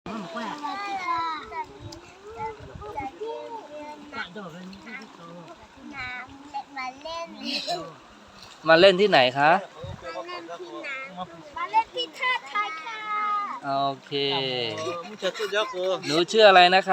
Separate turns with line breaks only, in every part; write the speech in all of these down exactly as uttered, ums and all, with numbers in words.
สวัสดีค่ะจะเรียนเรียนน้ำมาเล่น
มาเล่นที่ไหนคะ
มาเล่นที่น้ำมาเล่นที่ท่าไทยค่ะ
โอเคหนูชื่ออะไรนะคะ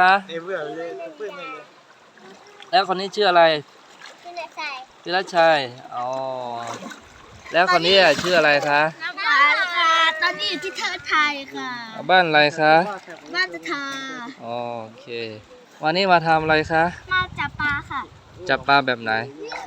แล้วคนนี้ชื่ออะไร
คุณนายใส่
พิรชัยอ๋อแล้วคนนี้อ่ะชื่ออะไรคะ
น้ำปลาค่ะตอนนี้อยู่ที่ท่าไทยค่ะ
บ้านอะไรคะ
มาจะทา
โอเค วันนี้มาทำอะไรคะ
มาจับปลาค่ะ
จับปลาแบบไหน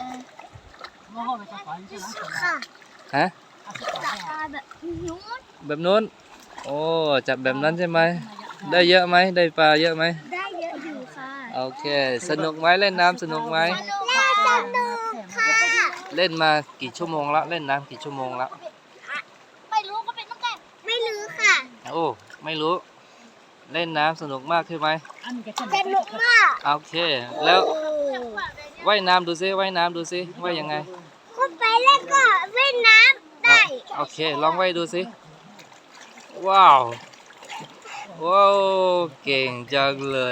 ค่ะ
ฮะ
จับปลาแบบนู้น
แบบนู้นโอ้จับแบบนั้นใช่ไหมได้เยอะไหมได้ปลาเยอะไหม
ได้เยอะอยู่ค่ะ
โอเคสนุกไหมเล่นน้ำสนุกไหม
น่าสนุกค่ะ
เล่นมากี่ชั่วโมงละเล่นน้ำกี่ชั่วโมงละ
ไม่รู้ก็เป็นตั้งแต่ไม่รู้ค่ะ
โอ้ไม่รู้เล่นน้ำสนุกมากใช่ไหม
สนุกมาก
โอเคแล้วว่ายน้ำดูซิว่ายน้ำดูซิว่ายยังไง
เข้าไปแล้วก็เล่นน้ำได้
โอเคลองว่ายดูซิว้าวว้าวเก่งจังเลย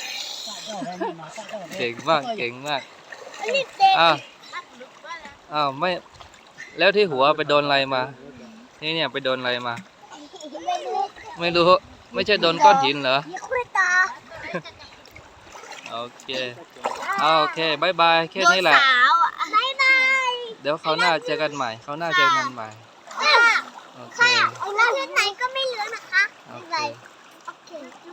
เก่งมากเก่งมาก
นี่เต็ม
อ้าวอ้าวไม่แล้วที่หัวไปโดนอะไรมานี่เนี่ยไปโดนอะไรมา
ไม่รู้
ไม่รู้ไม่ใช่โดนก้อนหินเหรอ
ยี่คุยตา
โอเคเอาโอเคบายบายแค่นี้แหละ
สาวอ่ะบายบาย
เดี๋ยวเขาวหน้าเจอกันใหม่เขาวหน้าเจอกันใหม่
ค่ะ
โอเค
ค่ะเอาเล่นไหนก็ไม่เหลือนะคะ
โอ
บ๊าย
เค
บายโอเค